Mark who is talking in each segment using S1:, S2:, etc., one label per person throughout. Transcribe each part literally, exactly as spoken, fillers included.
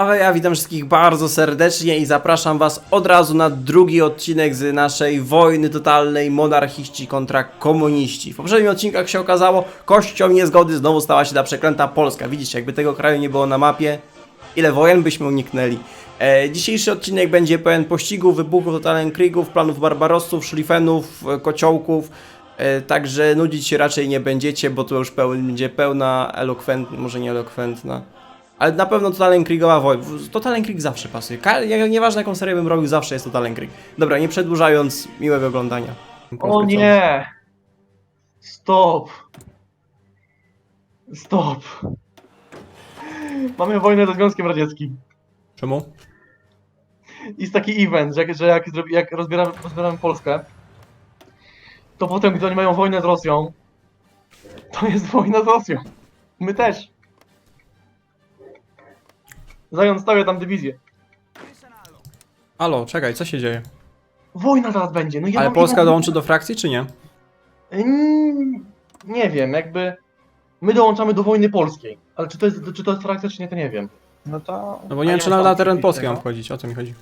S1: A ja witam wszystkich bardzo serdecznie i zapraszam was od razu na drugi odcinek z naszej wojny totalnej monarchiści kontra komuniści. W poprzednim odcinkach się okazało, kością niezgody znowu stała się ta przeklęta Polska. Widzicie, jakby tego kraju nie było na mapie, ile wojen byśmy uniknęli. E, dzisiejszy odcinek będzie pełen pościgów, wybuchów, totalnych krigów, planów barbarosów, szlifenów, e, kociołków. E, także nudzić się raczej nie będziecie, bo to już peł, będzie pełna elokwentna, może nie elokwentna. Ale na pewno Total Krigowa wojna. Total Krig zawsze pasuje. Ka nieważne jaką serię bym robił, zawsze jest Total Krig. Dobra, nie przedłużając, miłego oglądania.
S2: O nie! Stop! Stop! Mamy wojnę ze Związkiem Radzieckim.
S1: Czemu?
S2: Jest taki event, że jak, że jak, zrobi- jak rozbieramy, rozbieramy Polskę, to potem, gdy oni mają wojnę z Rosją, to jest wojna z Rosją. My też. Zając stawia tam dywizję.
S1: Alo, czekaj, co się dzieje?
S2: Wojna zaraz będzie. No ja
S1: Ale
S2: mam
S1: Polska
S2: inną-
S1: dołączy do frakcji, czy nie?
S2: Mm, Nie wiem, jakby... My dołączamy do wojny polskiej. Ale czy to jest, czy to jest frakcja, czy nie, to nie wiem.
S3: No to...
S1: No bo nie wiem, czy na, na teren Polski mam wchodzić, o to mi chodzi.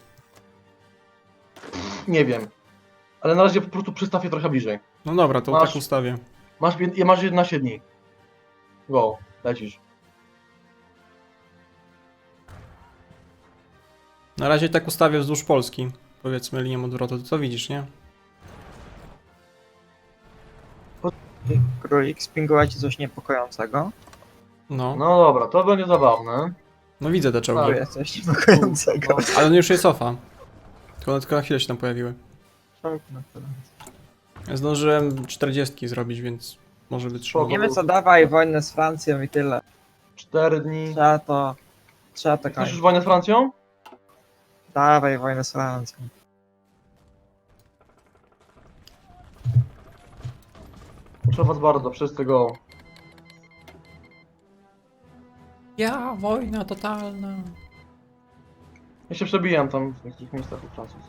S2: Nie wiem. Ale na razie po prostu przystawię trochę bliżej.
S1: No dobra, to
S2: Masz-
S1: tak ustawię.
S2: Masz, jed- masz jedenaście dni. Go, lecisz.
S1: Na razie tak ustawię wzdłuż Polski. Powiedzmy linią odwrotu, to co widzisz, nie?
S3: Królik, spinguje ci coś niepokojącego?
S1: No,
S2: No dobra, to będzie zabawne.
S1: no widzę te czołgi.
S3: Tu jest coś niepokojącego.
S1: Ale one już je cofa. Tylko, tylko na chwilę się tam pojawiły. Ja zdążyłem czterdzieści zrobić, więc może wytrzymać.
S2: Spoko.
S3: Niemy co, dawaj wojnę z Francją i tyle.
S2: Cztery dni.
S3: Trzeba to... Trzeba to
S2: Chcesz
S3: kończyć.
S2: już wojnę z Francją?
S3: Dawaj wojnę z Francją.
S2: Proszę was bardzo, wszyscy go.
S1: Ja, wojna totalna.
S2: Ja się przebijam tam w niektórych miejscach u Francuz.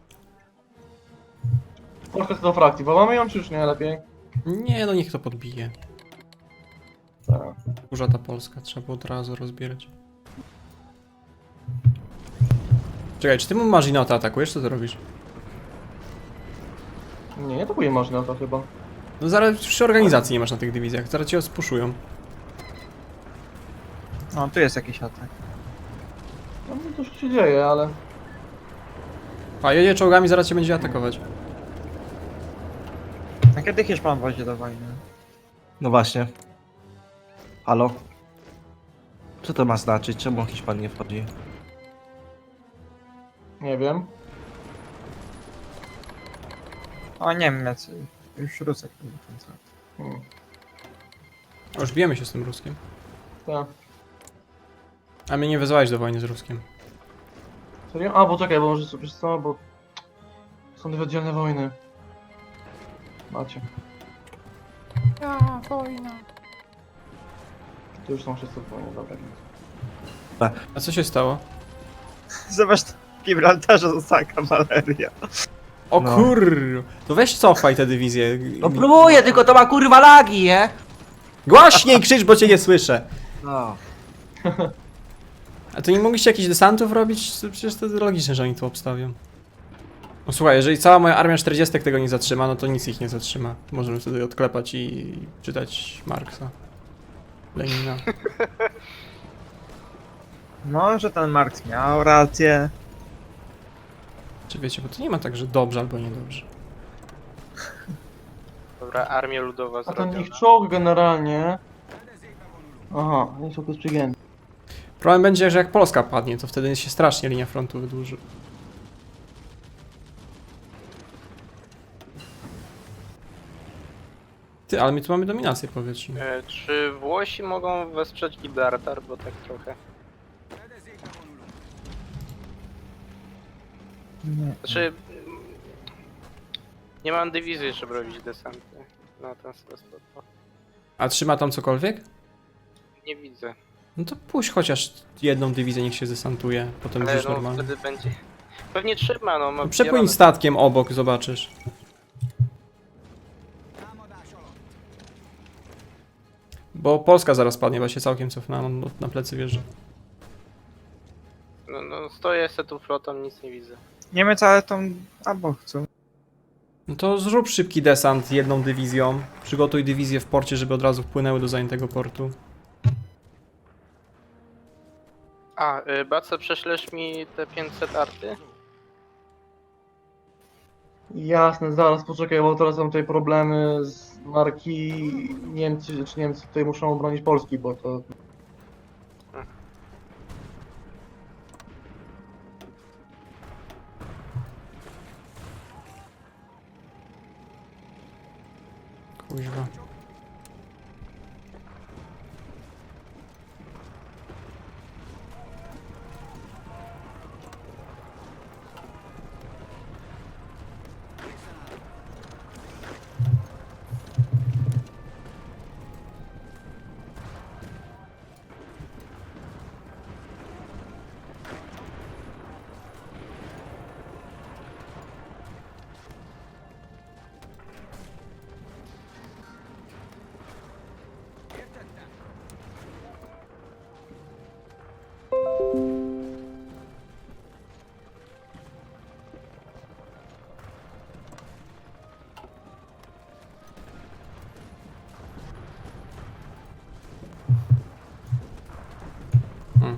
S2: Polska chce do frakcji, bo mamy ją czy już nie lepiej?
S1: Nie, no niech to podbije.
S2: Tak.
S1: Kurza ta Polska, trzeba było od razu rozbierać. Czekaj, czy ty mu Marzinota atakujesz? Co ty robisz?
S2: Nie, nie atakuje można to chyba.
S1: No zaraz przy organizacji nie masz na tych dywizjach, zaraz cię spuszują.
S3: No, tu jest jakiś atak.
S2: No to już się dzieje, ale...
S1: A jedzie czołgami, zaraz cię będzie atakować.
S3: A kiedy Hiszpan wozi do wojny?
S4: No właśnie. Halo? Co to ma znaczyć? Czemu Hiszpan nie wchodzi?
S2: Nie wiem.
S3: O, Niemiec. Już Rusek.
S2: Hmm.
S1: O, już bijemy się z tym Ruskiem.
S2: Tak.
S1: A mnie nie wezwałeś do wojny z Ruskiem.
S2: Serio? A, bo czekaj, bo może wiesz co, bo... Są dwie oddzielne wojny. Macie.
S1: Ja, wojna.
S2: Tu już są wszyscy w wojnie, dobra. więc.
S1: A co się stało?
S3: Zobacz, w Gibraltarze została kawaleria.
S1: O
S4: No.
S1: kur... To weź cofaj te dywizje.
S5: No próbuję, tylko to ma kurwa lagi, nie?
S1: Głośniej krzycz, bo cię nie słyszę.
S4: No.
S1: A to nie mogliście jakichś desantów robić? Przecież to logiczne, że oni tu obstawią. No słuchaj, jeżeli cała moja armia czterdzieści tego nie zatrzyma, no to nic ich nie zatrzyma. Możemy wtedy odklepać i czytać Marksa. Lenina.
S3: No, że ten Marx miał rację.
S1: Czy wiecie, bo to nie ma tak, że dobrze albo niedobrze.
S6: Dobra, armia ludowa
S2: A ten
S6: zrobiona.
S2: ich czołg generalnie... Aha, nie czołg jest przygięty.
S1: Problem będzie, że jak Polska padnie, to wtedy się strasznie linia frontu wydłuży. Ty, ale my tu mamy dominację powietrzną.
S6: E, czy Włosi mogą wesprzeć Gibraltar, bo tak trochę...
S3: Nie.
S6: Znaczy... mm, Nie mam dywizji, żeby robić desanty na ten sposób.
S1: A trzyma tam cokolwiek?
S6: Nie widzę.
S1: No to puść chociaż jedną dywizję, niech się desantuje, potem
S6: Ale
S1: będziesz
S6: no
S1: normalnie.
S6: wtedy będzie... Pewnie trzyma, no. ma-
S1: No przepłyń
S6: ja mam-
S1: statkiem obok, zobaczysz. Bo Polska zaraz padnie, bo się całkiem cofnęła, na, na plecy wjeżdża.
S6: No, no stoję se tu flotą, nic nie widzę.
S3: Niemiec, ale tą... albo chcą.
S1: No to zrób szybki desant jedną dywizją. Przygotuj dywizję w porcie, żeby od razu wpłynęły do zajętego portu.
S6: A, y, Bace, prześlesz mi te pięćset arty?
S2: Jasne, zaraz poczekaj, bo teraz są tutaj problemy z marki. Niemcy, czy Niemcy tutaj muszą obronić Polski, bo to...
S1: Kuźwa. Hmm.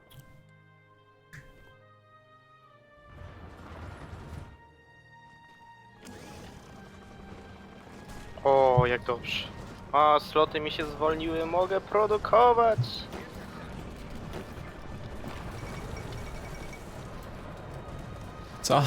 S6: O, jak dobrze. A, sloty mi się zwolniły, mogę produkować.
S1: Co?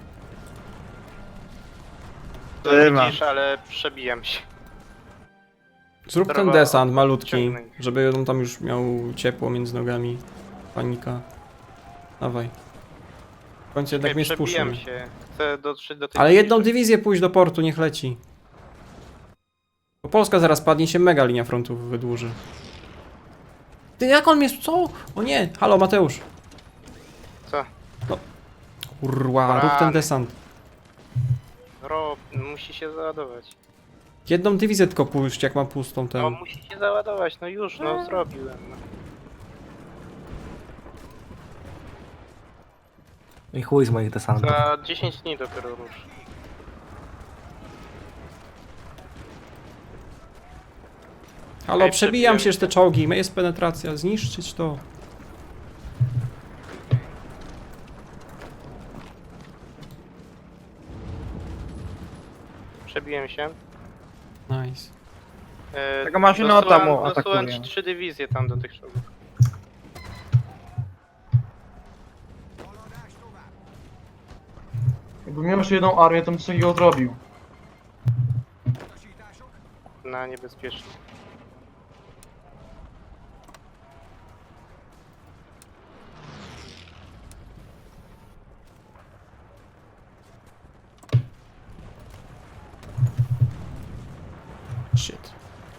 S3: Trzyma.
S6: Widzisz, ale przebijam się.
S1: Zrób ten
S6: Trzeba
S1: desant malutki,
S6: odciągnąć.
S1: żeby on tam już miał ciepło między nogami. Panika. Dawaj. W końcu jednak mnie
S6: przebijam
S1: spuszczą.
S6: się. Chcę dotrzeć do tej
S1: Ale jedną
S6: niszy.
S1: dywizję pójść do portu, niech leci. Bo Polska zaraz padnie, się mega linia frontu wydłuży. Ty, jak on mnie... co? O nie, halo Mateusz.
S6: Co?
S1: Kurwa, rób ten
S6: Rany.
S1: desant.
S6: Rob, musi się załadować.
S1: Jedną dywizję tylko pójść, jak mam pustą
S6: No
S1: tę.
S6: musi się załadować, no już, no zrobiłem. No.
S4: I chuj z moich desantów.
S6: Za dziesięć dni dopiero rusz.
S1: Halo,
S6: Ej,
S1: przebijam
S6: przebiłem
S1: się te czołgi, jest penetracja, zniszczyć to.
S6: Przebiłem się.
S1: Nice.
S6: E,
S3: Tego maszynota
S6: dosyłam-
S3: mu
S6: Dosyłam
S3: atakuje.
S6: ci trzy dywizje tam do tych czołgów.
S2: Jakbym miał jeszcze jedną armię, to bym coś takiego zrobił.
S6: Na niebezpieczne.
S1: Shit.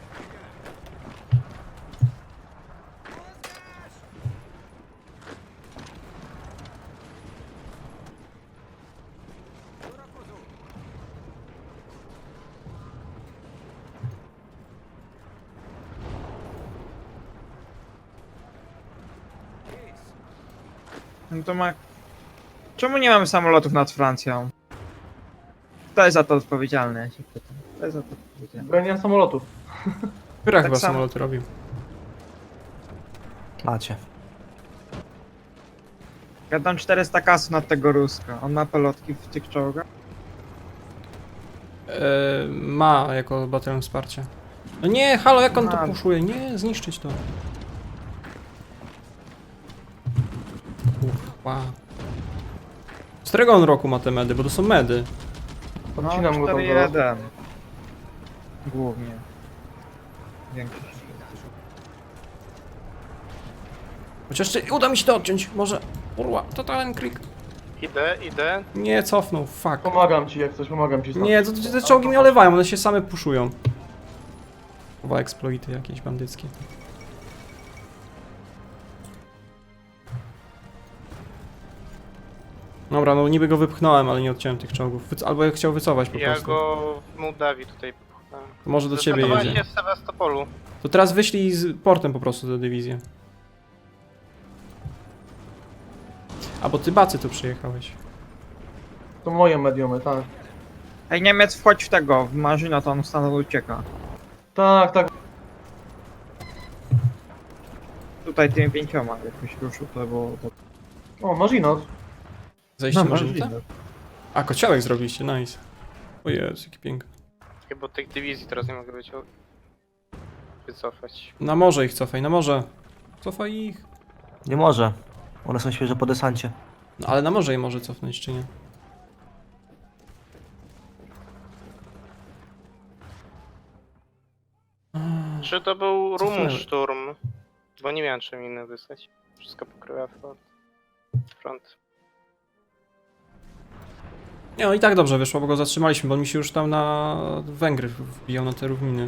S3: No to ma... Czemu nie mamy samolotów nad Francją? Kto jest za to odpowiedzialny, ja się pytam. Kto jest za to odpowiedzialny?
S2: Broniłem samolotów.
S1: Która
S3: Tak
S1: chyba
S3: samo.
S1: samolot robił?
S4: Macie.
S3: Ja dam czterysta kasów na tego Ruska. On ma pelotki w tych czołgach?
S1: Eee, ma jako batalion wsparcia. No nie, halo, jak on to
S3: Ma.
S1: puszuje? Nie, zniszczyć to. Kurwa. Z którego on roku ma te medy? Bo to są medy.
S2: Odcinam go tam
S3: cztery
S2: zaraz.
S3: jeden. Głównie. Większość.
S1: Chociaż jeszcze uda mi się to odciąć, może. Kurwa, to ten krik.
S6: Idę, idę.
S1: Nie, cofnął, fuck.
S2: Pomagam ci jak coś, pomagam ci. Sam.
S1: Nie, to, to, te czołgi mnie olewają, one się same puszują. Chyba exploity jakieś bandyckie. Dobra, no niby go wypchnąłem, ale nie odciąłem tych czołgów. Wyc albo jak chciał wycofać po
S6: Ja
S1: prostu.
S6: go w Mołdawii tutaj popchnąłem.
S1: To może do ciebie
S6: Zdecydowałem
S1: jedzie.
S6: się w Sewastopolu.
S1: To teraz wyślij z portem po prostu tę dywizję. A bo ty Bacy tu przyjechałeś.
S2: To moje mediumy, tak.
S3: Ej, Niemiec, wchodź w tego, w Marzyna, to on stanowo ucieka.
S2: Tak, tak.
S3: Tutaj tymi pięcioma jakoś ruszył, to było... To...
S2: O, Marzinot.
S1: Zejście
S3: No,
S1: na
S3: Marzyna.
S1: żółte? A, kociołek zrobiliście, nice. O Jezu, jaki piękny.
S6: Chyba tych dywizji teraz nie mogę być wycofać.
S1: Na morze ich cofaj, na morze. Cofaj ich.
S4: Nie może. One są świeże po desancie.
S1: No ale na morze je może cofnąć, czy nie?
S6: Czy to był
S1: Cofnęły.
S6: Rumszturm? Bo nie miałem czym innym wysłać. Wszystko pokrywa front. front.
S1: Nie, no i tak dobrze wyszło, bo go zatrzymaliśmy, bo on mi się już tam na Węgry wbijał na te równiny.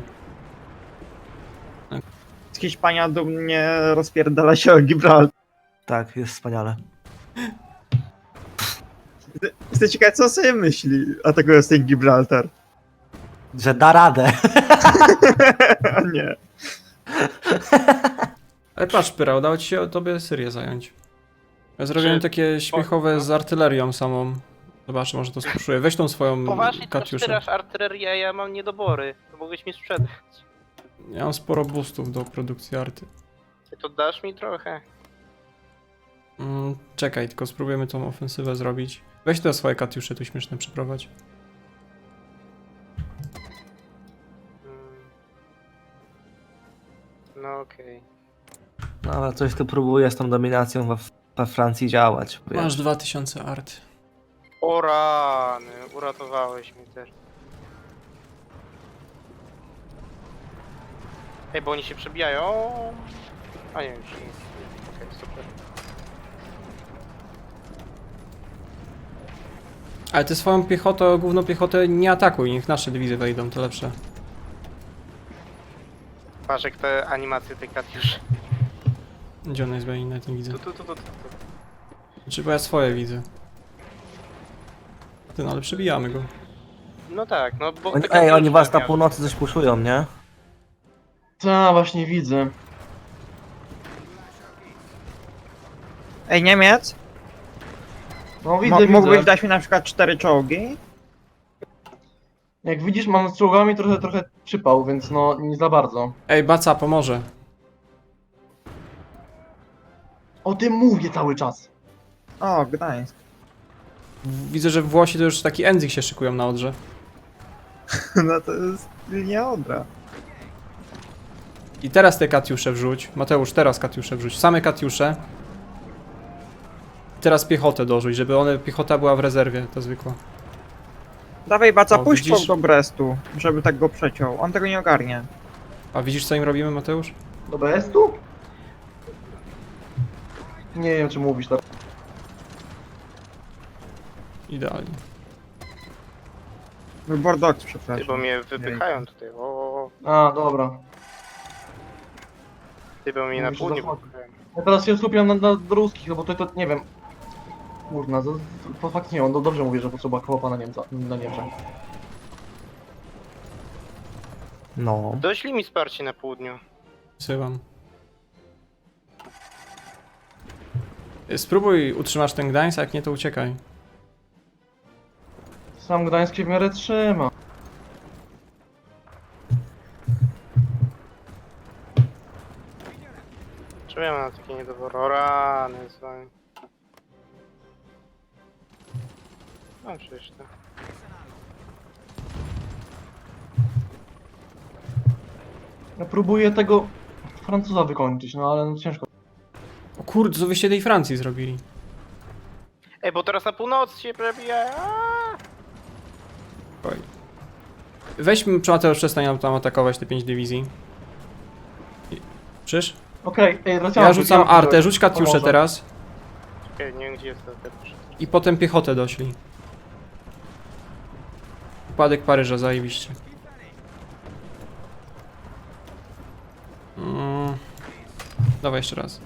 S3: Hiszpania dumnie rozpierdala się o Gibraltar.
S4: Tak, jest wspaniale.
S3: Jestem ciekaw, co sobie myśli, a tego jest ten Gibraltar.
S4: Że da radę.
S3: A nie.
S1: Ale patrz, Pyra, udało ci się tobie Syrię zająć. Ja zrobiłem
S6: Czy-
S1: takie śmiechowe z artylerią samą. Zobacz, może to spuszuję. Weź tą swoją
S6: Poważnie to
S1: Katiuszę.
S6: wspierasz artylerię, a ja mam niedobory. To mogłeś mi sprzedać.
S1: Ja mam sporo boostów do produkcji arty.
S6: Ty to dasz mi trochę.
S1: Mm, czekaj, tylko spróbujemy tą ofensywę zrobić. Weź te swoje Katiusze tu śmieszne przyprowadź.
S6: Mm. No okej.
S4: No ale coś tu próbuje z tą dominacją we, we Francji działać. wiesz.
S1: Masz dwa tysiące art.
S6: O rany, uratowałeś mnie też. Ej, bo oni się przebijają. A nie, już nie. Okej, super.
S1: Ale ty swoją piechotę, główną piechotę nie atakuj, niech nasze dywizje wejdą, to lepsze.
S6: Patrz jak te animacje tej Katiuszy.
S1: Gdzie ona jest, bo ja jej nawet nie widzę.
S6: Tu, tu, tu, tu, tu.
S1: Znaczy, bo ja swoje widzę. Ty, no ale przebijamy go.
S6: No tak, no bo...
S4: Oni,
S6: te
S4: ej, oni
S6: Katiusze
S4: was na
S6: miały-
S4: północy coś puszują, nie?
S2: Tak, właśnie widzę.
S3: Ej, Niemiec,
S2: No widzę,
S3: mo-
S2: widzę.
S3: mógłbyś dać mi na przykład cztery czołgi?
S2: Jak widzisz, mam z czołgami trochę, trochę przypał, więc no nie za bardzo.
S1: Ej, Baca, pomoże.
S2: O tym mówię cały czas.
S3: O, Gdańsk.
S1: Widzę, że Włosi to już taki Enzik się szykują na Odrze.
S3: No to jest linia Odra.
S1: I teraz te Katiusze wrzuć. Mateusz, teraz Katiusze wrzuć. Same Katiusze. Teraz piechotę dorzuć, żeby one, piechota była w rezerwie, ta zwykła.
S3: Dawaj, Baca,
S1: O,
S3: puść
S1: widzisz?
S3: czołg do Brestu, żeby tak go przeciął. On tego nie ogarnie.
S1: A widzisz, co im robimy, Mateusz?
S2: Do B S tu? Nie wiem, czy mówisz tak.
S1: Idealnie.
S3: Bordeaux,
S6: Ty,
S3: przepraszam.
S6: bo mnie wypychają tutaj. O,
S2: A, dobra.
S6: ty, bo mnie na
S2: Mówisz o
S6: południe
S2: zachodzie.
S6: wypychają.
S2: Ja teraz się skupiam na, na ruskich, no bo to, to nie wiem. Kurna, to, to faktycznie on no dobrze mówi, że potrzeba chłopa na Niemca, na Niemczech.
S4: No.
S6: Doślij mi wsparcie na południu.
S1: Syłam. Spróbuj utrzymasz ten Gdańsk, a jak nie, to uciekaj.
S2: Sam Gdańsk się w miarę trzyma.
S6: Czemu ja mam takie niedobory? O rany, z wami. No przecież to.
S2: Ja próbuję tego Francuza wykończyć, no ale no ciężko.
S1: O kurde, co wyście tej Francji zrobili?
S6: Ej, bo teraz na północy się przebijają. aaa!
S1: Oj. Weźmy, Mateusz, przestań nam tam atakować te pięć dywizji. I- Przysz?
S2: Okej, ej, Rosjanie.
S1: Ja rzucam artę, rzuć Katiuszę
S2: Pomoże.
S1: teraz.
S6: Czekaj, nie wiem gdzie jest to teraz.
S1: I potem piechotę doślij. Upadek Paryża, zajebiście. Mm. Dawaj jeszcze raz.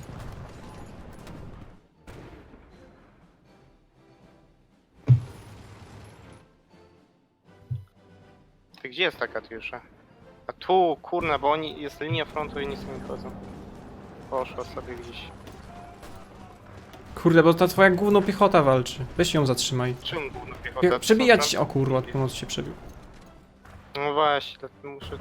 S6: Ty gdzie jest ta Katiusza? A tu, kurna, bo oni, jest linia frontu i nic nie chodzą. Poszła sobie gdzieś.
S1: Kurde, bo ta twoja gówno piechota walczy. Weź ją zatrzymaj.
S6: Czym główną piechotę?
S1: Pie- Przebijać się. O kurwa, od pomocy się przebił.
S6: No właśnie, dlatego muszę...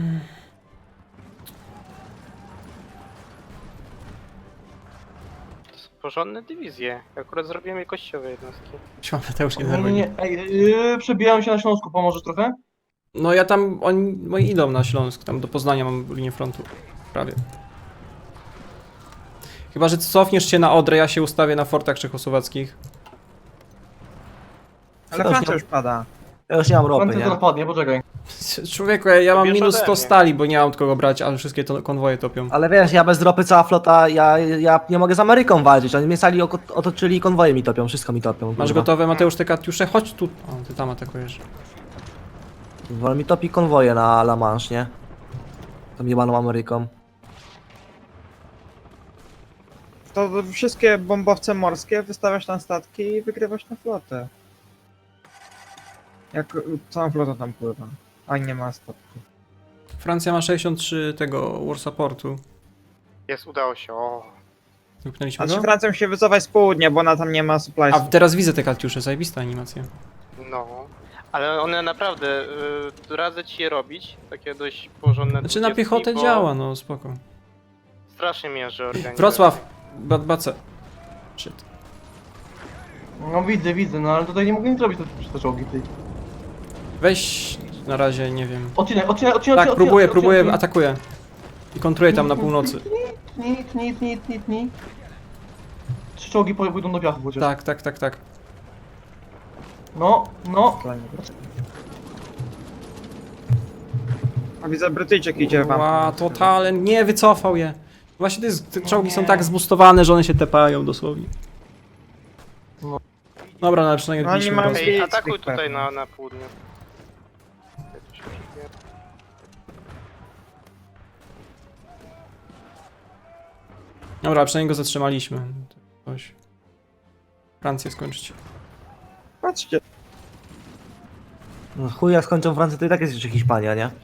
S6: To są porządne dywizje. Akurat zrobiłem je kościowe jednostki.
S1: Siłam, to już nie
S2: Nie, nie,
S1: nerwuj.
S2: nie. Ej, yy, przebijałem się na Śląsku, pomożesz trochę?
S1: No ja tam, oni moi idą na Śląsk, tam do Poznania mam linię frontu. Prawie. Chyba, że cofniesz się na Odrę, ja się ustawię na fortach czechosłowackich.
S3: Ale
S4: Co, już
S3: Francja
S4: nie-
S3: już pada.
S4: Ja już nie mam ropy,
S2: Francja
S4: nie?
S2: to napadnie, poczekaj.
S1: Człowieku, ja, ja mam
S6: Wiesz
S1: minus
S6: ode
S1: sto
S6: mnie.
S1: stali, bo nie mam od kogo brać, ale wszystkie to konwoje topią.
S4: Ale wiesz, ja bez ropy cała flota, ja, ja nie mogę z Ameryką walczyć. Oni mnie sali oko- otoczyli i konwoje mi topią, wszystko mi topią.
S1: Masz
S4: kurwa.
S1: gotowe, Mateusz, te katiusze? Chodź tu. O, ty tam atakujesz.
S4: Wolę mi topi konwoje na La Manche, nie? Tą jebaną Ameryką.
S3: To wszystkie bombowce morskie wystawiasz na statki i wygrywasz na flotę. Jak całą flotą tam pływa. A nie ma statków.
S1: Francja ma sześćdziesiąt trzy tego war supportu.
S6: Jest, udało się, o.
S1: Wypchnęliśmy
S3: A
S1: go?
S3: czy Francją się wycofać z południa, bo ona tam nie ma
S1: A
S3: suppliesów.
S1: teraz widzę te katiusze, zajebista animacja.
S6: No. Ale one naprawdę, y, radzę ci je robić. Takie dość porządne
S1: Znaczy na
S6: dwudziestki,
S1: piechotę
S6: bo
S1: działa, no spoko.
S6: Strasznie mięży organizacja.
S1: Wrocław, Bad Bace. Shit.
S2: No widzę, widzę, no ale tutaj nie mogę nic zrobić przez te czołgi, ty.
S1: Weź na razie, nie wiem.
S2: Odcinek, odcinek, odcinek,
S1: Tak,
S2: odcinek,
S1: próbuję,
S2: odcinek,
S1: próbuję,
S2: odcinek.
S1: atakuję. I kontruję tam na północy.
S2: Nic, nic, nic, nic, nic. Trzy czołgi po- pójdą do piachu chociaż.
S1: Tak, tak, tak, tak.
S2: No, no.
S3: A widzę, Brytyjczyk idzie wam.
S1: Ła, totalnie, nie wycofał je. Właśnie to jest, te czołgi są tak zbustowane, że one się tepają dosłownie.
S2: No.
S1: Dobra, no ale przynajmniej
S3: No, nie
S1: odbiliśmy
S3: mają
S1: go.
S3: zbić
S6: Ej, atakuj
S3: tych
S6: tutaj
S3: pewnie.
S6: na, na południu. Ja tu się przebiję.
S1: Dobra, przynajmniej go zatrzymaliśmy. Coś. Francję skończyć.
S3: Patrzcie.
S4: No chuj, jak skończą Francję, to i tak jest jeszcze Hiszpania, nie?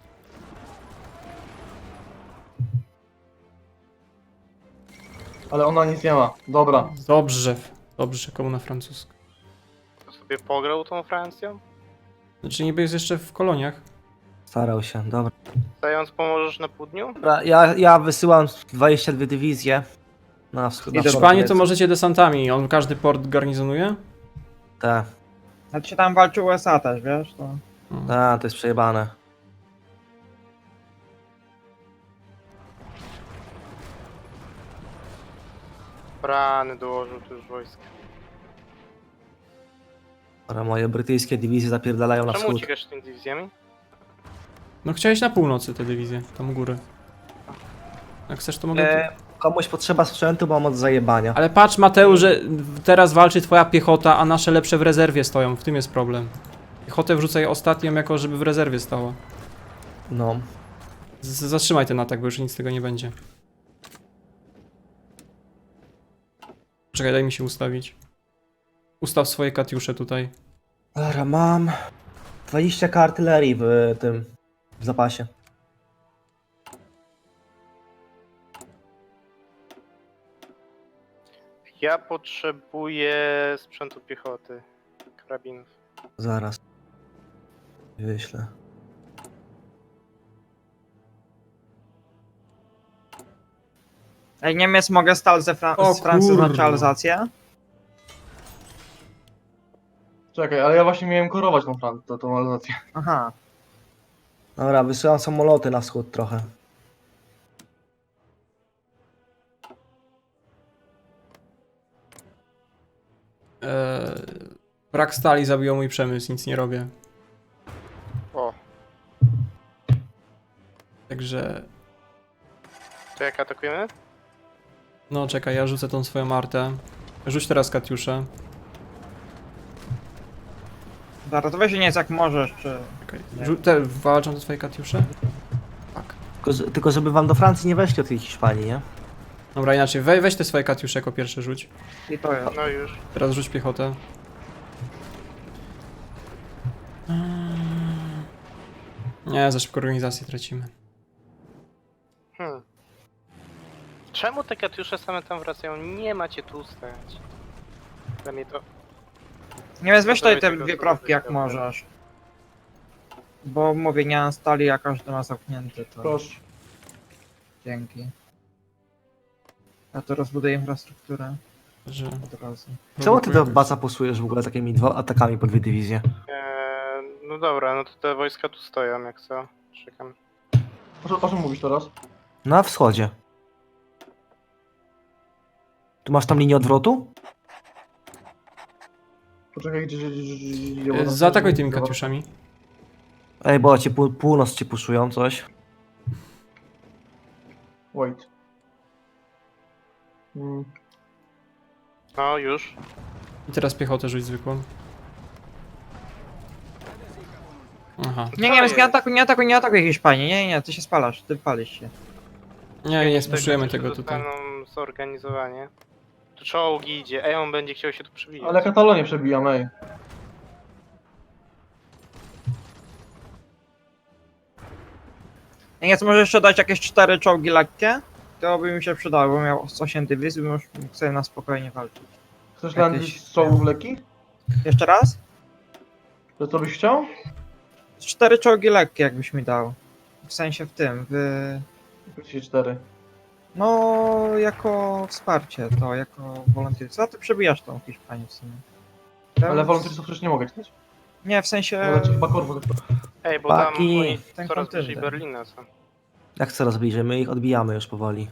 S2: Ale ona nic nie ma. Dobra.
S1: Dobrze, dobrze, komuna francuska.
S6: To sobie pograł tą Francją?
S1: Znaczy niby jest jeszcze w koloniach.
S4: Starał się, dobra.
S6: Zając pomożesz na południu?
S4: Dobra, ja, ja wysyłam dwadzieścia dwie dywizje na wschód. na
S3: Idę.
S4: wschód
S1: Hiszpanię to
S4: Grecji.
S1: możecie desantami, on każdy port garnizonuje?
S4: Tak,
S3: Znaczy tam walczy U S A też, wiesz? To...
S4: tak, to jest przejebane.
S6: Rany dołożył tu już wojska.
S4: Dobra, moje brytyjskie dywizje zapierdalają na
S6: Czemu
S4: wschód.
S6: uciekasz tymi dywizjami?
S1: No chciałeś na północy te dywizje, tam u góry. Jak chcesz to mogę...
S4: E, komuś potrzeba sprzętu, bo mam od zajebania.
S1: Ale patrz Mateusz, że teraz walczy twoja piechota, a nasze lepsze w rezerwie stoją, w tym jest problem. Piechotę wrzucaj ostatnią jako, żeby w rezerwie stała.
S4: No.
S1: Z zatrzymaj ten atak, bo już nic z tego nie będzie. Czekaj, daj mi się ustawić. Ustaw swoje katiusze tutaj.
S4: Dobra, mam dwadzieścia k artylerii w tym, w zapasie.
S6: Ja potrzebuję sprzętu piechoty. Karabinów.
S4: Zaraz. Wyślę.
S3: Ej, Niemiec mogę stać ze Fran
S1: O
S3: z Francji
S1: kurwa.
S3: nacjonalizację?
S2: Czekaj, ale ja właśnie miałem korować tą Francję, tą, tą realizację.
S3: Aha.
S4: Dobra, wysyłam samoloty na wschód trochę.
S1: Eee, brak stali zabiło mój przemysł, nic nie robię.
S6: O,
S1: Także...
S6: to jak atakujemy?
S1: No czekaj, ja rzucę tą swoją artę. Rzuć teraz katiuszę.
S3: Dobra, to weź nie jak możesz, czy...
S1: Czekaj. Rzu te walczą te twoje katiusze? Tak.
S4: Tylko, że- tylko żeby wam do Francji nie weszli od tej Hiszpanii, nie?
S1: Dobra, inaczej, we, weź te swoje katiusze jako pierwsze rzuć.
S3: I to jest.
S6: No już.
S1: Teraz rzuć piechotę. Nie, za szybko organizację tracimy.
S6: Hmm. Czemu te katiusze same tam wracają? Nie macie tu stać. Dla mnie to...
S3: Nie wiem, weź tutaj te
S6: Dawaj tego
S3: dwie
S6: słowa
S3: prawki jak
S6: wyjścia.
S3: możesz. Bo mówię, nie mam stali, a każdy ma zamknięty, to
S2: Proszę.
S3: dzięki. Ja to rozbuduję infrastrukturę
S1: Że...
S3: od razu.
S4: Czemu ty do baca posujesz w ogóle takimi dwa atakami po dwie dywizje?
S6: Eee, no dobra, no to te wojska tu stoją, jak co? Czekam.
S2: O czym- O czym mówisz teraz?
S4: Na wschodzie. Tu masz tam linię odwrotu?
S2: Poczekaj, gdzie, gdzie, gdzie, gdzie, gdzie, bo tam-
S1: Zaatakuj tymi katiuszami.
S4: Ej, bo ci pół, północ ci puszują coś.
S2: Wait. Mm.
S6: No, już.
S1: I teraz piechotę rzuć zwykłą. Aha.
S3: Nie,
S6: Co
S3: nie,
S6: jest?
S3: nie atakuj, nie atakuj, nie atakuj Hiszpanii, nie, nie, ty się spalasz, ty palisz się.
S1: Nie, nie
S6: Tak,
S1: spuszczujemy
S6: jeszcze
S1: tego tutaj.
S6: dostaną zorganizowanie. Tu czołgi idzie, ej, on będzie chciał się tu przebijać.
S2: Ale Katalonię przebijam, ej.
S3: Nie, nie, co może jeszcze dać jakieś cztery czołgi lekkie? To by mi się przydało, bo miał osiem dywizji, bym już mógł sobie na spokojnie walczyć.
S2: Chcesz
S3: Jakieś-
S2: landzić z czołgów lekkich?
S3: Jeszcze raz?
S2: To co byś chciał?
S3: Cztery czołgi lekkie jakbyś mi dał. W sensie w tym, w...
S2: Chcecie cztery.
S3: No, jako wsparcie to, jako wolontariat. Co ty przebijasz tą Hiszpanię w sumie?
S2: Ale
S3: Ten-
S2: wolontariuszów przecież nie mogę czytać.
S3: Nie, w sensie...
S2: Ale czy chyba korwów.
S6: Ej, bo tam
S4: Paki.
S6: oni
S3: Ten
S6: coraz bliżej
S3: kontynent.
S6: Berlina są.
S4: Jak coraz bliżej, my ich odbijamy już powoli.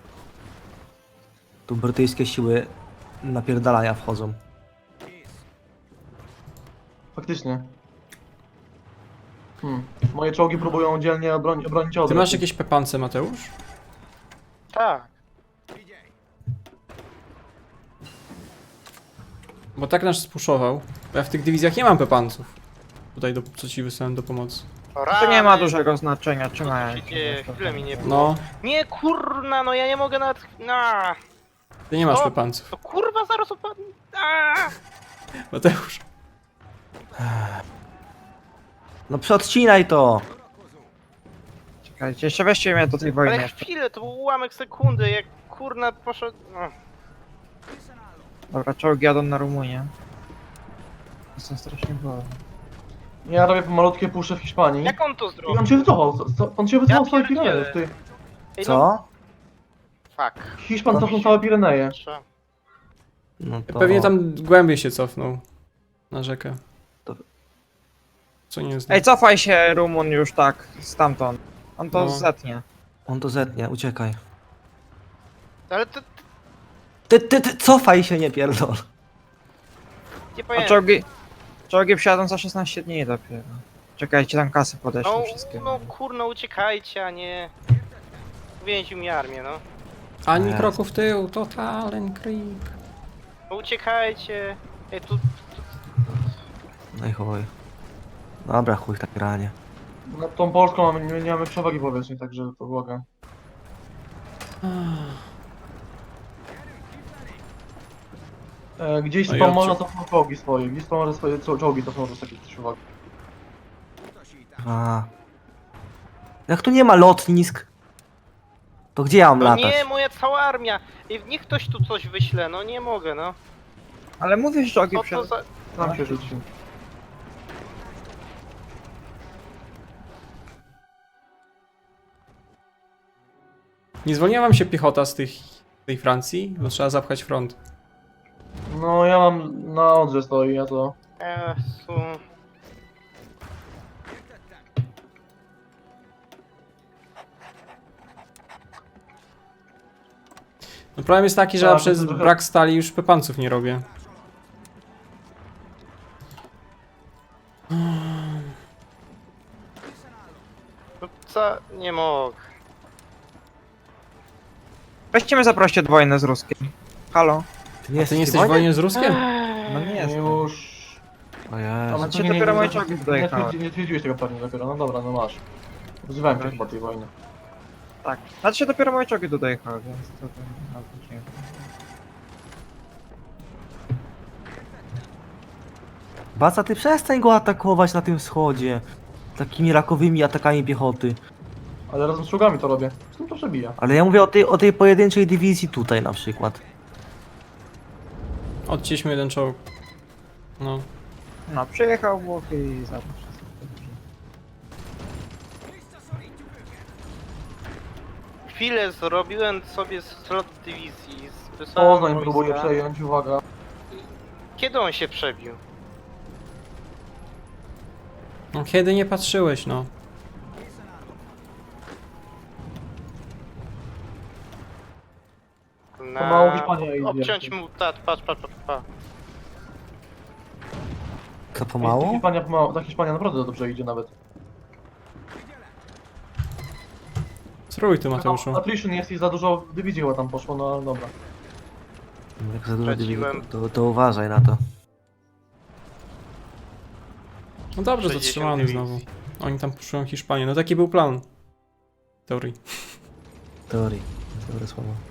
S4: Tu brytyjskie siły napierdalania wchodzą.
S2: Faktycznie. Hmm. Moje czołgi próbują dzielnie obroni obronić
S1: Ty
S2: odwrót.
S1: masz jakieś pepance, Mateusz?
S6: Tak.
S1: Bo tak nas spuszował. Bo ja w tych dywizjach nie mam pepanców. Tutaj, do, co ci wysłałem do pomocy.
S6: O,
S3: To nie ma
S6: rany.
S3: dużego znaczenia,
S6: Co
S3: trzymaj.
S6: tu się dzieje? Chwilę mi nie było.
S1: No,
S6: Nie, kurna, no ja nie mogę nawet... No,
S1: ty nie masz
S6: O!
S1: pepanców.
S6: to kurwa zaraz opadnie. Aaa!
S1: Mateusz.
S4: No przeodcinaj to!
S3: Czekajcie, jeszcze weźcie mnie do tej wojny
S6: Ale
S3: jeszcze.
S6: chwilę, to był ułamek sekundy, jak kurna poszedł... No.
S3: Dobra, czołgi jadą na Rumunię. Jestem strasznie wolny.
S2: Ja robię malutkie pusze w Hiszpanii.
S6: Jak on to
S2: I on
S6: zrobił?
S2: się wycofał. co- co- On się wycofał
S6: Ja
S2: całe
S6: pierdzielę.
S2: Pireneje. Ty.
S6: Ej, no,
S4: Co?
S6: fuck.
S2: Hiszpan cofnął całe Pireneje.
S6: Trzeba-
S4: No to...
S1: Pewnie tam głębiej się cofnął. Na rzekę.
S4: To-
S1: Co nie jest.
S3: Ej, cofaj się Rumun już tak, stamtąd. On to
S1: No.
S3: zetnie.
S4: On to zetnie, uciekaj.
S6: Ale to...
S4: Ty, ty, ty, cofaj się, nie pierdol.
S6: Nie
S3: A
S6: pamiętam.
S3: czołgi... Czołgi przyjadą za szesnaście dni dopiero. Czekajcie, tam kasy podeślę
S6: No,
S3: wszystkie.
S6: no kurna, uciekajcie, a nie... Więził mi armię, no.
S1: Ani
S4: Jest.
S1: kroku w tył, totalen creep.
S6: No uciekajcie. Ej, tu...
S4: No i chuj. Dobra, chuj w tak granie.
S2: Nad tą Polską mamy, nie, nie mamy przewagi powietrznej, także to błagam. E, gdzieś
S1: No i
S2: tam
S1: odciął.
S2: można cofnąć czołgi swoje. Gdzieś tam można swoje czo- czołgi cofnąć z takich przewagi.
S4: A. Jak tu nie ma lotnisk, to gdzie ja mam
S6: No
S4: latać?
S6: nie, moja cała armia. Ej, niech ktoś tu coś wyśle, no nie mogę, no.
S3: Ale mówisz, że czołgi
S6: Co to
S3: przyjadą.
S6: za...
S2: Tam się rzuci.
S1: Nie zwolniła wam się piechota z tych, tej Francji? Bo trzeba zapchać front.
S2: No ja mam na Odrze stoi, ja to...
S6: Jezu.
S1: No problem jest taki, że ja
S2: Tak,
S1: przez
S2: to trochę-
S1: brak stali już pepanców nie robię.
S6: No co? Nie mogę.
S3: Weźcie mnie zaproście do wojny z Ruskiem. Halo?
S4: Ty nie
S1: Ty nie
S4: jesteś
S1: jesteś w wojnie z Ruskiem?
S3: No nie jest.
S2: Już...
S4: O Jezu.
S2: Ale
S3: Znaczy,
S2: to nie,
S3: dopiero
S2: nie,
S3: moje
S2: nie,
S3: czołgi
S2: nie,
S3: dojechały.
S2: twierdzi- nie twierdziłeś tego pewnie dopiero, no dobra, no masz. Wzywałem cię chyba tej wojny.
S3: Tak. Znaczy dopiero moje czołgi tu dojechały, więc to... to no, to dziękuję.
S4: Baca, ty przestań go atakować na tym wschodzie. Takimi rakowymi atakami piechoty.
S2: Ale razem z czołgami to robię. Z tym to przebija.
S4: Ale ja mówię o tej, o tej pojedynczej dywizji tutaj na przykład.
S1: Odcięliśmy jeden czołg. No.
S3: No, przyjechał Włochy i zabrał wszystko.
S6: Chwilę zrobiłem sobie slot dywizji. Wysłałem
S2: Poznań
S6: wojska.
S2: próbuje przejąć, uwaga.
S6: Kiedy on się przebił?
S1: No kiedy nie patrzyłeś, no.
S6: Na...
S2: Pomału Hiszpania idzie.
S6: Obciąć mu, tak, patrz, patrz, patrz, patrz.
S4: To pomału?
S2: Hiszpania pomału, ta Hiszpania naprawdę dobrze idzie nawet.
S1: Spróbuj tu, Mateuszu.
S2: Attrition jest i za dużo dywizji chyba tam poszło, no ale dobra.
S4: Jak za dużo
S6: Straciłem.
S4: dywizji, to, to uważaj na to.
S1: No dobrze,
S6: sześćdziesiąt
S1: zatrzymany
S6: dywizji.
S1: znowu. Oni tam puszują Hiszpanię. No taki był plan. W teorii.
S4: Teorii. Dobre słowo.